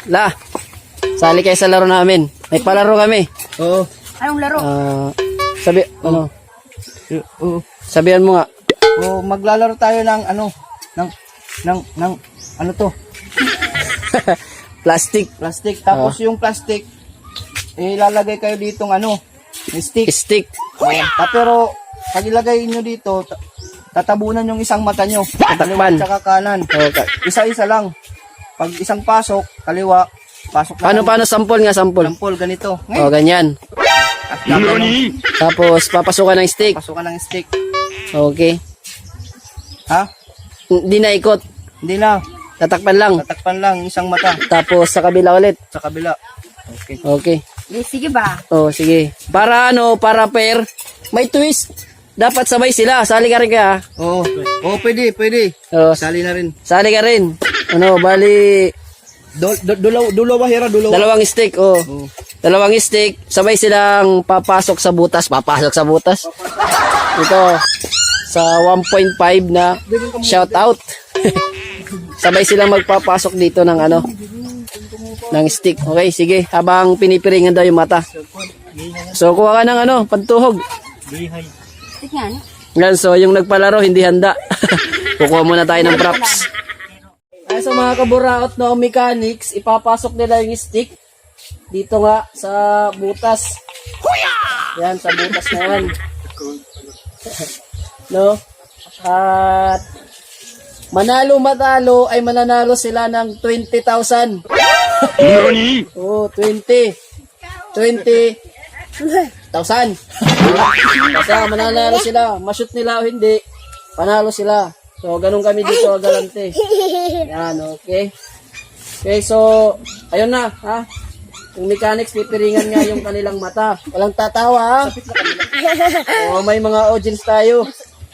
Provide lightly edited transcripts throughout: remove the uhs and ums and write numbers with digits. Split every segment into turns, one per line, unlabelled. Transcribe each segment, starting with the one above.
La, sali kayo sa laro namin. May palaro kami.
Oo.
Anong laro?
Sabihan mo nga.
Oo, maglalaro tayo ng ano to?
Plastic.
Plastic. Tapos yung plastic, ilalagay kayo ditong stick.
Stick.
Pero, pag ilagay nyo dito, tatabunan yung isang mata nyo.
Tatakpan.
Tsaka kanan.
Okay.
Isa-isa lang. Pag isang pasok, kaliwa, pasok na.
Paano sample nga, sample?
Sample, ganito.
Oh, ganyan.
At gagano,
Tapos, papasukan ng stick.
pasukan ng stick.
Okay.
Ha?
Hindi na ikot.
Hindi na.
Tatakpan lang.
Tatakpan lang isang mata
Tapos, sa kabila ulit.
sa kabila. Okay.
Okay.
Sige ba?
Oh, sige. Para pair, may twist. Dapat sabay sila. Sali ka rin kaya.
Oo. Oo, pwede.
Oh,
Sali na rin.
sali ka rin. Bali,
Dulawa hira, dulawa.
dalawang stick. Oh.
Oo.
Dalawang stick. Sabay silang papasok sa butas. Ito. Sa 1.5 na shout out. Sabay silang magpapasok dito ng ng stick. Okay, sige. Habang pinipiringan daw yung mata. So, kuha ka ng pantuhog.
Sige nga, no?
Yan, so yung nagpalaro hindi handa. Kukuha muna tayo ng props. Ay, sa mga kaburaot na mechanics, ipapasok nila yung stick dito nga sa butas. Yan, sa butas na yan. No? At matalo ay mananalo sila ng 20,000. Oh, 20,000. Kasi mananalo sila. Ma-shoot nila o hindi, panalo sila. So, ganun kami dito, galante. Yan, okay. Okay, so, ayun na, ha? Yung mechanics, pipiringan nga yung kanilang mata. Walang tatawa, ha? Oh, may mga audience tayo.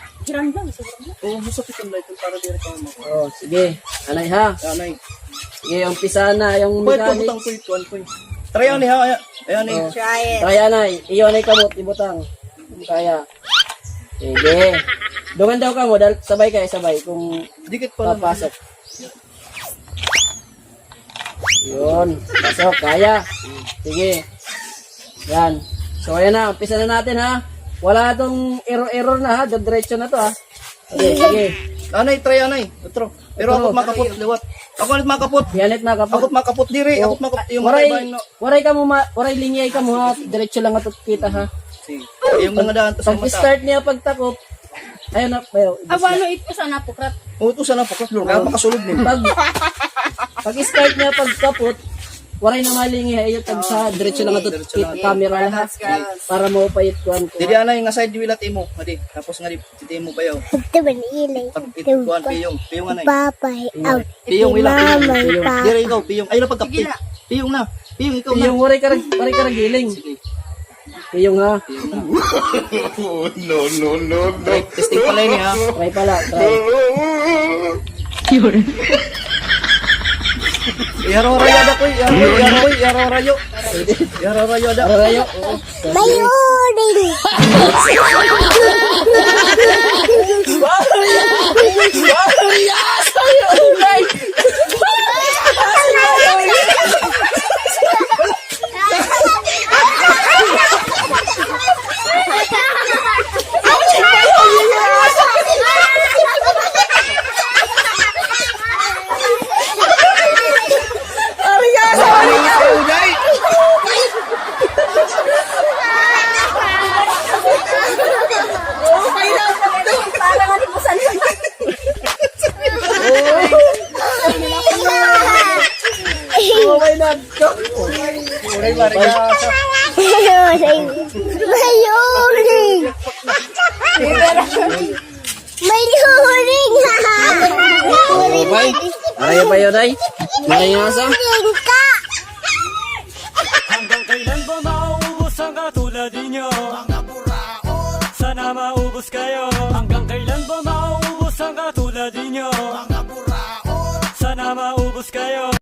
Oh, sige. Anay, ha?
Anay.
Sige, umpisa na yung
Pwede
mechanics.
butang po. Try ni ha. Ayan ni.
Oh.
Try it.
Kaya na, iyon ay kamot, ibutang. Kaya. Sige. Dungan daw ka mo, sabay kayo, sabay. Kung
Dikit pa lang.
papasok. Yun. Pasok, kaya. Sige. Yan. So, ayan na, umpisa na natin, ha. Wala itong error na, ha. Diretso na to, ha. Okay, sige.
Anay, try anay. Otro. Pero ako makapot liwat. Ako ulit makapot.
Yanit na kapot.
Ako makapot diri. Ako makapot yung
Waray ka mo, waray linyay ka mo, ha. Diretso lang ito kita, ha.
yung mga daan sa mata.
Pag-start niya pagtakop, ayun na, ayun.
Awano ito sa napukrat.
Uto sana po kasi kaya makasulod ni.
Pag-start niya pagkapot, waray na malingi, ayun tag sa diretso lang ito camera, ha. Para mo payit kuan ko.
Dili anay nga side wilat imo, madi. Tapos nga di mo payaw.
Ito ba ilay?
Pag ituan piyong anay.
Papay out.
Piyong wila.
Mamay pa.
Diri ikaw piyong. Ay na pagkapti. Piyong na. Piyong ikaw na.
Yung waray ka giling. Yung ha.
Try, testing pala ini ha.
Try pala, try.
Yaro rayo da koy. Yaro rayo da.
Arayo.
Mayuring!
Okay na.
Uray mariga.
Mayuring! Mayuring!
Okay. Arayo pa yun, ay. Maringasa.
Mayuring ka!
Hanggang kailan ba mauubos ang katulad ninyo? Mga buraot, sana maubos kayo. Hanggang kailan ba mauubos ang katulad ninyo? Mga buraot, sana maubos kayo.